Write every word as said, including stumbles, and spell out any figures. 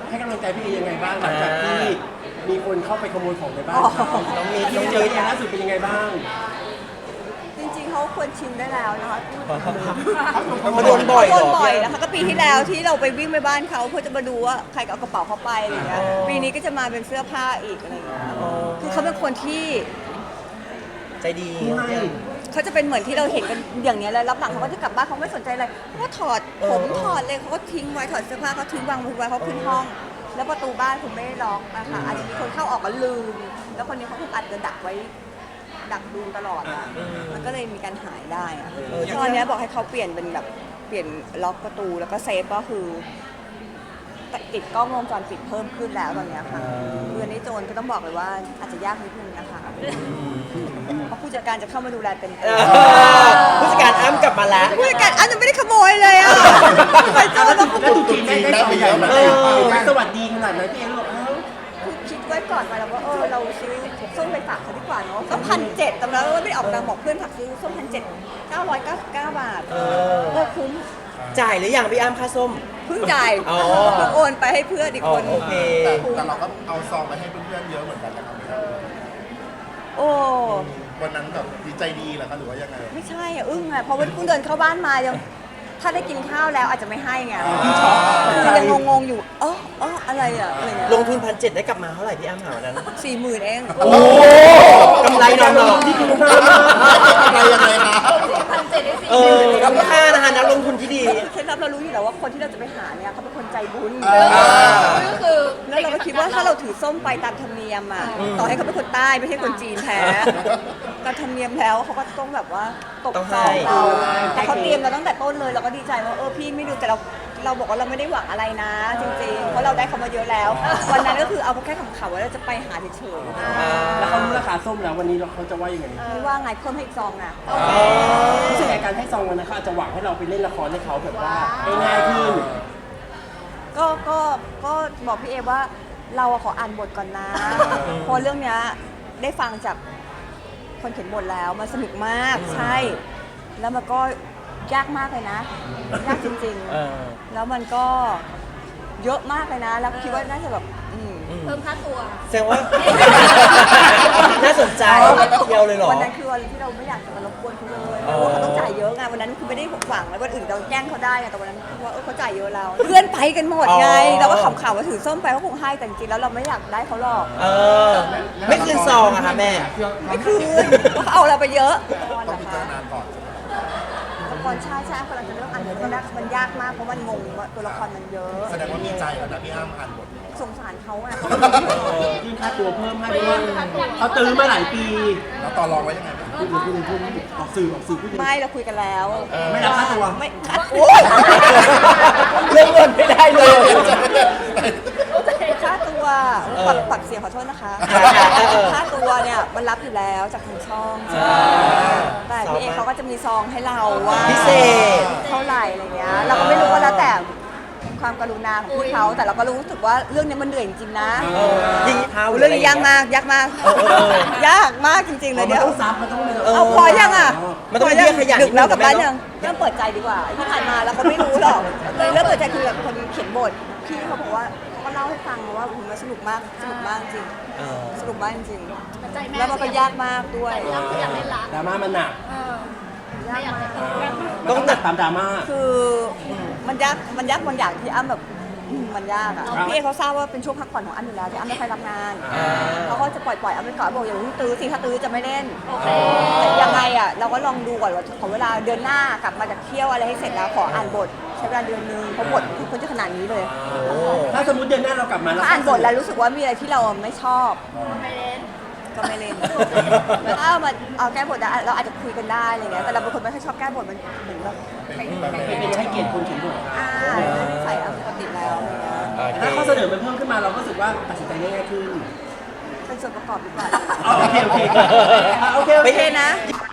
ให้กำลังใจพี่เอยังไงบ้างหลังจากที่มีคนเข้าไปขโมยของในบ้านเขาน้องมีที่น้องเจมีอเนี่ยล่าสุดเป็นยังไงบ้างจริงๆเขาควรชินได้แล้วนะคะพูดเขาโดนบ่อยเหรโดนอบ่อยนะคะก็ปีที่แล้วที่เราไปวิ่งไปบ้านเขาเพื่อจะมาดูว่าใครเอากระเป๋าเขาไปอะไรเงี้ยปีนี้ก็จะมาเป็นเสื้อผ้าอีกอะไรเงี้ยคือเขาเป็นคนที่ใจดีเขาจะเป็นเหมือนที่เราเห็นกันอย่างเนี้ยเลยรับหลังเขาก็จะกลับบ้านเขาไม่สนใจอะไรเขาก็ถอดผมถอดเลยเขาก็ทิ้งไว้ถอดเสื้อผ้าเขาทิ้งวางไว้เขาขึ้นห้อง แล้วประตูบ้านคุณไม่ได้ล็อกนะคะอาจจะมีคนเข้าออกก็ลืม แล้วคนนี้เขาคงอัดจะดักไว้ดักดูตลอดอ่ะมันก็เลยมีการหายได้อะตอนนี้บอกให้เขาเปลี่ยนเป็นแบบเปลี่ยนล็อกประตูแล้วก็เซฟก็คือติดกล้องวงจรปิดเพิ่มขึ้นแล้วตอนนี้ค่ะคืออันนี้โจรก็ต้องบอกเลยว่าอาจจะยากนิดนึงนะคะเพราะผู้จัดการจะเข้ามาดูแลเต็มที่ผู้จัดการอ้ำกลับมาแล้วผู้จัดการอันจะไม่ได้ขโมยเลยอ่ะไปโจรมาแล้วดูจริงได้ได้ไปเยอะไหมสวัสดีขนาดนั้นพี่เอรู้เอ้าคือคิดไว้ก่อนมาแล้วว่าเออเราซื้อส้มไปฝากเขาดีกว่าเนาะก็พันเจ็ดแต่แล้วไม่ได้ออกตังค์บอกเพื่อนฝากซื้อส้มพันเจ็ดเก้าร้อยเก้าสิบเก้าบาทเออคุ้มจ่ายหรือยังพี่อ้ำค่าส้มเพิ่งจ่ายอ๋อเพิ่งโอนไปให้เพื่อนอีกคนโอเคแต่แต่เราก็เอาซองไปให้เพื่อนๆเยอะเหมือนกันนะครับโอ้วันนั้นแบบดีใจดีเหรอคะหรือว่ายังไงไม่ใช่อ่ะอึ้งอ่ะเพราะว่าเพิ่งเดินเข้าบ้านมายังถ้าได้กินข้าวแล้วอาจจะไม่ให้ไงคือยังงงๆอยู่เออเอออะไรอ่ะอะไรเงี้ยลงทุนพันเจ็ดได้กลับมาเท่าไหร่พี่อ้ำหาวันนั้นสี่หมื่นเองโอ้กำไรนอนหนองที่คุ้มค่าอะไรยังไงคะเออคุ้มค่านะคะนักลงทุนที่ดีเคล็ดลับเรารู้อยู่แล้วว่าคนที่เราจะไปหาเนี่ยเขาเป็นคนใจบุญอ่าก็คือแล้วเราก็คิดว่าถ้าเราถือส้มไปตามธรรมเนียมอ่ะต่อให้เขาเป็นคนใต้ไม่ใช่คนจีนแท้ตามธรรมเนียมแล้วเขาก็ต้องแบบว่าตกต้องซให้องเราแต่เขาเตรียมมาตั้งแต่ต้นเลยเราก็ดีใจว่าเออพี่ไม่ดูแต่เราเราบอกว่าเราไม่ได้หวังอะไรนะ จริงๆเพราะเราได้เขามาเยอะแล้ว วันนั้นก็คือเอาแค่ขำๆว่าเราจะไปหาเฉยแล้วเขารู้ราคาส้มแล้ววันนี้เขาจะว่ายังไงๆไม่ว่าไงเพิ่มให้อีกซองนะรู้สึกไงการให้ซองวันนั้นเขาอาจจะหวังให้เราไปเล่นละครให้เขาแบบว่าง่ายๆขึ้นก็ก็ก็บอกพี่เอว่าเราอะขออ่านบทก่อนนะเพราะเรื่องเนี้ยได้ฟังจากคนเขียนบทแล้วมันสนุกมากใช่ แล้วมันก็ยากมากเลยนะ ยากจริงเออๆ แล้วมันก็เยอะมากเลยนะ แล้วคิดว่าน่าจะแบบอืมเพิ่มค่าตัวแสดงว่า น่าสนใจเที่ยวเลยเหรอวันนั้นคือวันที่เราไม่อยากจะมารบกวนเขาเลยเพอ๋อราะว่าเขาต้องจ่ายเยอะไงวันนั้นคือไม่ได้หวังแล้ววันอื่นเราแกล้งเขาได้ไงแต่วันนั้นคือว่าเออเขาจ่ายเยอะเราเพื่อนไปกันหมดไงเราก็ขำๆว่าถือส้มไปเขาคงให้แต่จริงๆแล้วเราไม่อยากได้เขาหรอกเออ ไม่คืนซองอะค่ะแม่ไม่คืนเพราะเขาเอาเราไปเยอะต้องพิจารณาก่อนละครใช่ใช่กำลังจะเริ่มอ่านบทตอนแรกมันยากมากเพราะมันงงว่าตัวละครมันเยอะแสดงว่ามีใจแล้วนะพี่อ้ำอ่านบทสงสารเขาอะยื่นค่าตัวเพิ่มให้เพราะว่าเขาตื้อมาหลายปีแล้วต่อรองไว้ยังไงบ้างพูดพูดพูดออกสื่อออกสื่อพูดไม่เราคุยกันแล้วไม่รับค่าตัวไม่คัดโอ้ยเรื่องเงินไม่ได้เลยค่าตัวปักปักเสียงขอโทษนะคะค่าตัวเนี่ยมันรับอยู่แล้วจากทางช่องแต่พี่เอเขาก็จะมีซองให้เราว่าพิเศษเท่าไหร่อะไรเงี้ยเราก็ไม่รู้ว่าแล้วแต่ความกรุณาของพี่เขาแต่เราก็รู้สึกว่าเรื่องนี้มันเหนื่อยจริงๆนะเออยิงเท้าเรื่องนี้ยากมากยากมากเออเออเออยากมากจริงๆเลยมันเดี๋ยวต้องซับมันต้องเลยเอาพอยังอ่ะมันต้องเรียกขยันดึกแล้วกลับบ้านนิดนึงยังเริ่มเปิดใจดีกว่าที่ผ่านมาเราก็ไม่รู้หรอกเลยเริ่มเปิดใจคุยกับคนเขียนบทพี่เขาบอกว่าเขาก็เล่าให้ฟังว่ามันสนุกมากสนุกมากจริงเออสนุกมากจริงแต่ใจแม่แล้วมันก็ยากมากด้วยใจเราคืออยากเล่นละดราม่ามันหนักเออยากมากมันต้องหนักตามดราม่าคือมันยากมันยากบางอย่างที่อ้ำแบบอืมมันยากอ่ะพี่เอเขาทราบว่าเป็นช่วงพักผ่อนของอ้ำอยู่แล้วที่อ้ำไม่ค่อยรับงานเขาก็จะปล่อยปล่อยอ้ำไปก่อนบอกอย่าเพิ่งตื้อสิถ้าตื้อจะไม่เล่นโอเคแต่ยังไงอ่ะเราก็ลองดูก่อนว่าขอเวลาเดือนหน้ากลับมาจากเที่ยวอะไรให้เสร็จแล้วขออ่านบทใช้เวลาเดือนนึงเพราะบทคือคนจะขนาดนี้เลยโอ้ถ้าสมมติเดือนหน้าเรากลับมาถ้าอ่านบทแล้วรู้สึกว่ามีอะไรที่เราไม่ชอบไม่เล่นก็ไม่เล่นแล้วถ้ามาเอาแก้บทได้เราอาจจะคุยกันได้อะไรเงี้ยแต่เราเป็นคนไม่ค่อยชอบแก้บทมันเหมือนแบบเป็นเป็นให้เกียรติคนเขียนบทอ่าใส่เอาปกติแล้วอะไรเงี้ยถ้าข้อเสนอมันเพิ่มขึ้นมาเราก็รู้สึกว่าตัดสินใจง่ายขึ้นเป็นส่วนประกอบดีกว่าอ๋อโอเคโอเคโอเคโอเคนะ